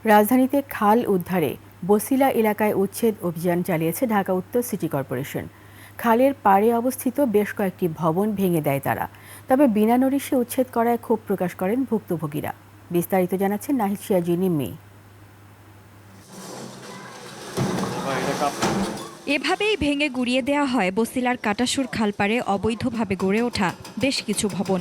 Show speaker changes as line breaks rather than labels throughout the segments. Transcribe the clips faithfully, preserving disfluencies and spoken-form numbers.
রাজধানীতে খাল উদ্ধারে বসিলা এলাকায় উচ্ছেদ অভিযান চালিয়েছে ঢাকা উত্তর সিটি কর্পোরেশন। খালের পাড়ে অবস্থিত বেশ কয়েকটি ভবন ভেঙে দেয় তারা। তবে বিনা নোটিশে উচ্ছেদ করায় ক্ষোভ প্রকাশ করেন ভুক্তভোগীরা। বিস্তারিত জানাচ্ছেন নাহিদ সিরাজি নিম্মি।
এভাবেই ভেঙে গুড়িয়ে দেওয়া হয় বসিলার কাটাসুর খালপাড়ে অবৈধভাবে গড়ে ওঠা বেশ কিছু ভবন।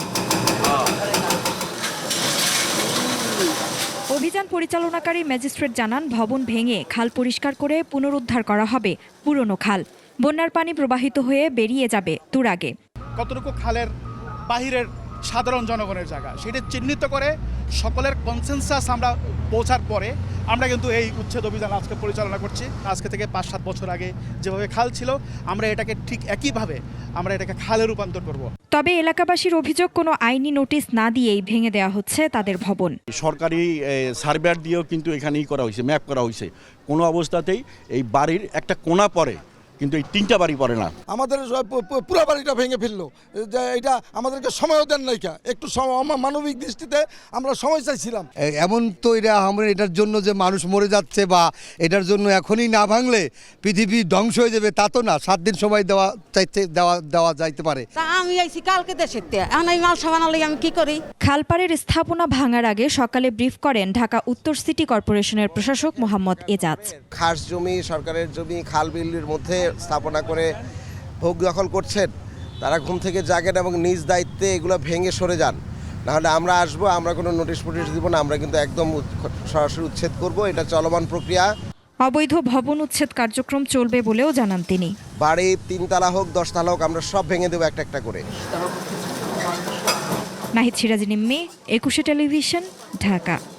অভিযান পরিচালনাকারী ম্যাজিস্ট্রেট জানান, ভবন ভেঙে খাল পরিষ্কার করে পুনরুদ্ধার করা হবে পুরনো খাল। বন্যার পানি প্রবাহিত হয়ে বেরিয়ে যাবে তুরাগে।
কতটুকু খালের বাহিরের সাধারণ জনগণের জায়গা সেটা চিহ্নিত করে সকলের কনসেনসাস আমরা পৌঁছার পরে আমরা কিন্তু এই উচ্ছেদ অভিযান আজকে পরিচালনা করছি। আজকে থেকে পাঁচ সাত বছর আগে যেভাবে খাল ছিল আমরা এটাকে ঠিক একইভাবে আমরা এটাকে খালে রূপান্তর করব।
তবে এলাকাবাসীর অভিযোগ, কোনো আইনি নোটিশ না দিয়েই ভেঙে দেওয়া হচ্ছে তাদের ভবন।
সরকারি সার্ভেয়ার দিয়েও কিন্তু এখানেই করা হয়েছে, ম্যাপ করা হয়েছে। কোনো অবস্থাতেই এই বাড়ির একটা কোণা পড়ে, কিন্তু এই তিনটা বাড়ি পড়ে না।
আমাদের পুরো বাড়িটা ভেঙে ফেললো, যে এটা আমাদেরকে সময়ও দেন নাইকা। একটু মানবিক দৃষ্টিতে আমরা সময় চাইছিলাম।
এমন তো এটা আমরা এটার জন্য যে মানুষ মরে যাচ্ছে বা এটার জন্য এখনই না ভাঙলে পৃথিবী ধ্বংস হয়ে যাবে তা তো না। সাত দিন সময় দেওয়া চাইতে দেওয়া দেওয়া যাইতে পারে।
তা আমি আইছি কালকে দেশেতে, এখন এই মাল সামান আনলে আমি কি করি?
খালপাড়ের স্থাপনা ভাঙার আগে সকালে ব্রিফ করেন ঢাকা উত্তর সিটি কর্পোরেশনের প্রশাসক মোহাম্মদ এজাজ।
খাস জমি, সরকারের জমি খাল বিলের মধ্যে স্থাপনা করে ভোগ দখল করছেন, তারা ঘুম থেকে জাগেন এবং নিজ দায়িত্বে এগুলো ভেঙে সরে যান। নাহলে আমরা আসবো, আমরা কোনো নোটিশ ফোটিশ দিব না, আমরা কিন্তু একদম সরাসরি উচ্ছেদ করব। এটা চলমান প্রক্রিয়া।
অবৈধ ভবন উচ্ছেদ কার্যক্রম চলবে বলেও জানান তিনি।
বাড়ি তিনতলা হোক দশতলা হোক আমরা সব ভেঙে দেবো একটা একটা করে।
নাহিদ সিরাজি নিম্মি, একুশে টেলিভিশন, ঢাকা।